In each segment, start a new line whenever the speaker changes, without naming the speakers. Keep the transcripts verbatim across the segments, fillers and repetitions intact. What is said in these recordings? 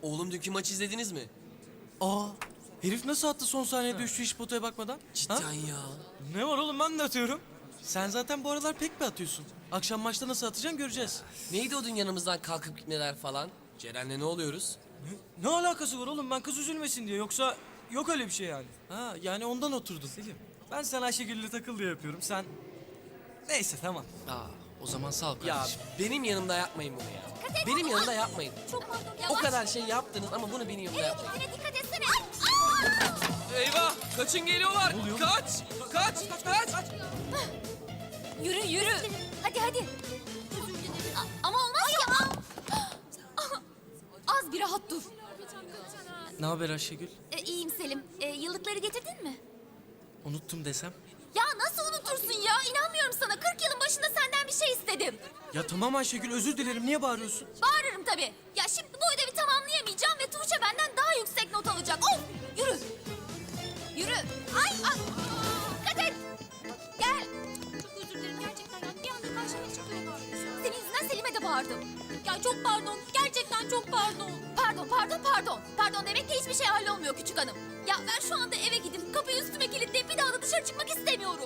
Oğlum dünkü maçı izlediniz mi?
Aa, herif nasıl attı son saniyede üçlü hiç potaya bakmadan?
Cidden
Ha?
ya.
Ne var oğlum, ben de atıyorum. Sen zaten bu aralar pek mi atıyorsun? Akşam maçta nasıl atacaksın göreceğiz.
Neydi o dün yanımızdan kalkıp gitmeler falan? Ceren'le ne oluyoruz?
Ne, ne alakası var oğlum, ben kız üzülmesin diye, yoksa yok öyle bir şey yani. Ha, yani ondan oturdun. Selim, ben sen Ayşegül'le takıl diye yapıyorum, sen... Neyse tamam.
Aa, o zaman sağ ol
Ya
kardeşim. Benim yanımda yapmayın bunu ya. Benim yanımda yapmayın.
Çok pardon.
O
Yavaş.
kadar şey yaptınız ama bunu benim yanımda
Evet,
yapmayın.
gitmene dikkat etsene. Aa!
Eyvah! Kaçın geliyorlar! Kaç! Kaç! Kaç!
Yürü yürü. Hadi hadi. A- ama olmaz ya. Az bir rahat dur.
Ne haber Ayşegül?
E, iyiyim Selim. E, yıllıkları getirdin mi?
Unuttum desem.
Ya nasıl unutursun ya? İnanmıyorum sana. kırk yılın başında senden bir şey istedim.
Ya tamam Ayşegül, özür dilerim, niye bağırıyorsun?
Bağırırım tabii. Ya şimdi bu ödevi tamamlayamayacağım ve Tuğçe benden daha yüksek not alacak. Of! Yürü. Yürü. Ay! Ay. Dikkat et. Gel. Çok özür dilerim gerçekten. Yani bir anda karşıma çıktı öyle bağırıyorsun. Senin yüzünden Selim'e de bağırdım. Ya çok pardon. Gerçekten çok pardon. Pardon, pardon, pardon. Pardon demek ki hiçbir şey hallolmuyor küçük hanım. Ya ben şu anda eve gidip kapıyı üstüme kilitleyip bir daha da dışarı çıkmak istemiyorum.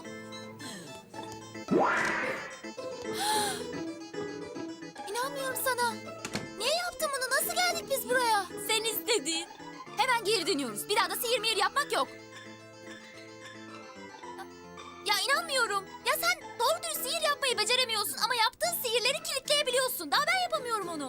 İnanmıyorum sana. Niye yaptın bunu? Nasıl geldik biz buraya? Sen istedin. Hemen geri dönüyoruz. Bir daha da sihir mihir yapmak yok. Ya inanmıyorum. Ya sen doğru dürüst sihir yapmayı beceremiyorsun ama yaptığın sihirleri kilitleyebiliyorsun. Daha ben yapamıyorum onu.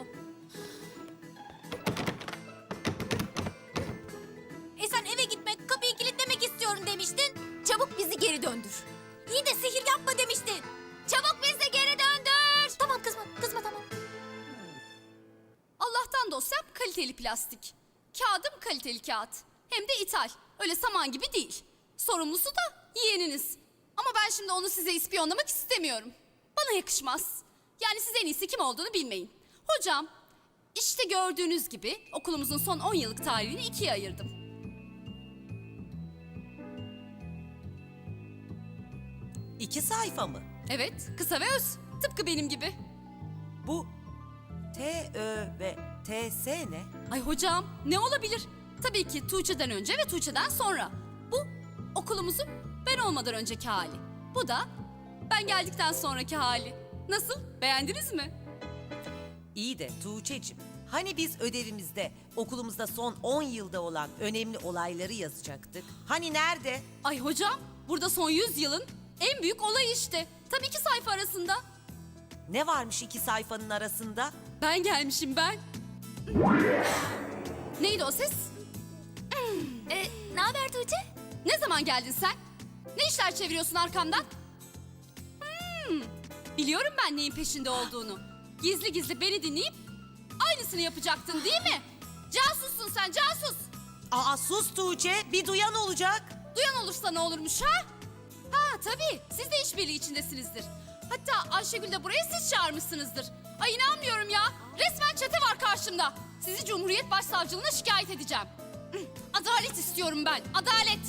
E sen eve gitmek, kapıyı kilitlemek istiyorum demiştin. Çabuk bizi geri döndür. İyi de sihir yapma demiştin. Çabuk bizi geri döndür. Tamam kızma, kızma tamam.
Allah'tan dosyam kaliteli plastik. Kağıdım kaliteli kağıt. Hem de ithal. Öyle saman gibi değil. Sorumlusu da yeğeniniz. Ama ben şimdi onu size ispiyonlamak istemiyorum. Bana yakışmaz. Yani siz en iyisi kim olduğunu bilmeyin. Hocam, işte gördüğünüz gibi okulumuzun son on yıllık tarihini ikiye ayırdım.
İki sayfa mı?
Evet, kısa ve öz. Tıpkı benim gibi.
Bu T, Ö ve T, S ne?
Ay hocam, ne olabilir? Tabii ki Tuğçe'den önce ve Tuğçe'den sonra. Bu okulumuzun ben olmadan önceki hali. Bu da ben geldikten sonraki hali. Nasıl? Beğendiniz mi?
İyi de Tuğçe'cim, hani biz ödevimizde okulumuzda son on yılda olan önemli olayları yazacaktık? Hani nerede?
Ay hocam, burada son yüz yılın en büyük olayı işte. Tabii iki sayfa arasında.
Ne varmış iki sayfanın arasında?
Ben gelmişim ben. Neydi o ses?
E, ne haber Tuğçe?
Ne zaman geldin sen? Ne işler çeviriyorsun arkamdan? Hmm, biliyorum ben neyin peşinde olduğunu. Gizli gizli beni dinleyip aynısını yapacaktın değil mi? Casussun sen, casus.
Aa sus Tuğçe, bir duyan olacak.
Duyan olursa ne olurmuş ha? Ha tabii, siz de işbirliği içindesinizdir. Hatta Ayşegül de buraya siz çağırmışsınızdır. Ay inanmıyorum ya. Resmen çete var karşımda. Sizi Cumhuriyet Başsavcılığına şikayet edeceğim. Adalet istiyorum ben, adalet.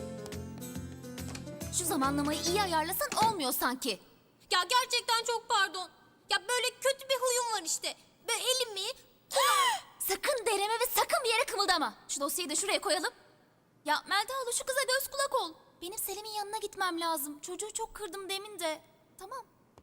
Şu zamanlamayı iyi ayarlasan olmuyor sanki. Ya gerçekten çok pardon. Ya böyle kötü bir huyum var işte. Böyle elimi... sakın dereme ve sakın bir yere kımıldama. Şu dosyayı da şuraya koyalım. Ya Melda hala şu kıza göz kulak ol. Benim Selim'in yanına gitmem lazım. Çocuğu çok kırdım demin de. Tamam.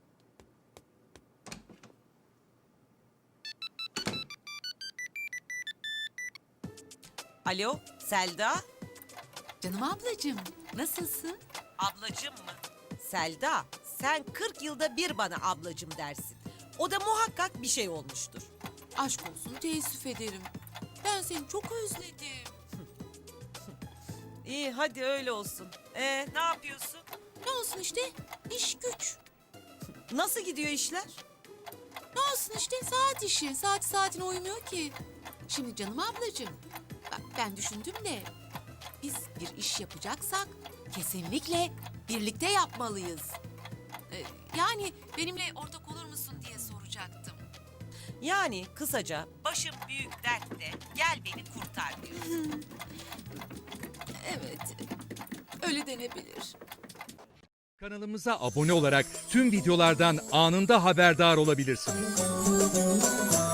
Alo, Selda?
Canım ablacığım, nasılsın?
Ablacım mı? Selda, sen kırk yılda bir bana ablacım dersin. O da muhakkak bir şey olmuştur.
Aşk olsun, teessüf ederim. Ben seni çok özledim.
İyi, hadi öyle olsun. Ee, ne yapıyorsun?
Ne olsun işte, iş güç.
Nasıl gidiyor işler?
Ne olsun işte, saat işi. Saat saatine uymuyor ki. Şimdi canım ablacığım, bak ben düşündüm de... biz bir iş yapacaksak kesinlikle birlikte yapmalıyız. Ee, yani benimle ortak olur musun diye soracaktım.
Yani kısaca başım büyük dertte, gel beni kurtar diyorsun.
Evet, öyle denebilir.
Kanalımıza abone olarak tüm videolardan anında haberdar olabilirsiniz.